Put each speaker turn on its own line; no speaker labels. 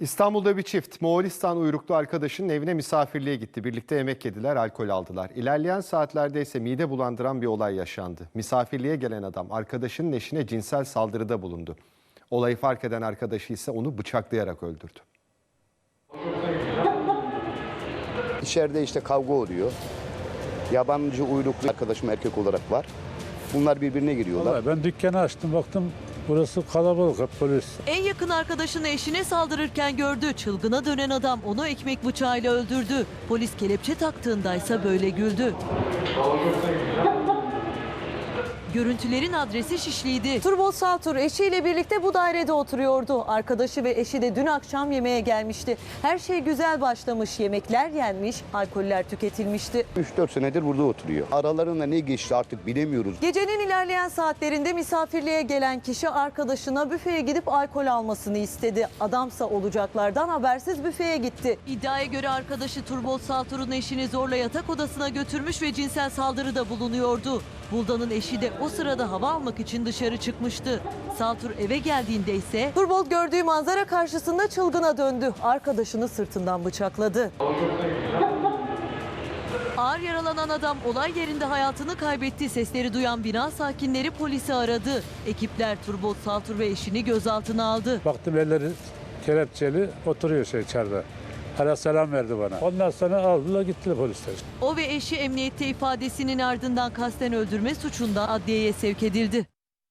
İstanbul'da bir çift Moğolistan uyruklu arkadaşının evine misafirliğe gitti. Birlikte yemek yediler, alkol aldılar. İlerleyen saatlerde ise mide bulandıran bir olay yaşandı. Misafirliğe gelen adam arkadaşının eşine cinsel saldırıda bulundu. Olayı fark eden arkadaşı ise onu bıçaklayarak öldürdü.
İçeride işte kavga oluyor. Yabancı uyruklu arkadaşım erkek olarak var. Bunlar birbirine giriyorlar.
Vallahi ben dükkanı açtım, baktım burası kalabalık, hep polis.
En yakın arkadaşını eşine saldırırken gördü. Çılgına dönen adam onu ekmek bıçağıyla öldürdü. Polis kelepçe taktığındaysa böyle güldü. Görüntülerin adresi Şişli'ydi. Turbol Saltur eşiyle birlikte bu dairede oturuyordu. Arkadaşı ve eşi de dün akşam yemeğe gelmişti. Her şey güzel başlamış. Yemekler yenmiş, alkoller tüketilmişti.
3-4 senedir burada oturuyor. Aralarında ne geçti artık bilemiyoruz.
Gecenin ilerleyen saatlerinde misafirliğe gelen kişi arkadaşına büfeye gidip alkol almasını istedi. Adamsa olacaklardan habersiz büfeye gitti. İddiaya göre arkadaşı Turbol Saltur'un eşini zorla yatak odasına götürmüş ve cinsel saldırıda bulunuyordu. Buldan'ın eşi de o sırada hava almak için dışarı çıkmıştı. Saltur eve geldiğinde ise Turbol gördüğü manzara karşısında çılgına döndü. Arkadaşını sırtından bıçakladı. Ağır yaralanan adam olay yerinde hayatını kaybetti. Sesleri duyan bina sakinleri polisi aradı. Ekipler Turbol Saltur ve eşini gözaltına aldı.
Baktım elleri kelepçeli, oturuyor içeride. Hala selam verdi bana. Ondan sonra aldılar gittiler polisler.
O ve eşi emniyette ifadesinin ardından kasten öldürme suçundan adliyeye sevk edildi.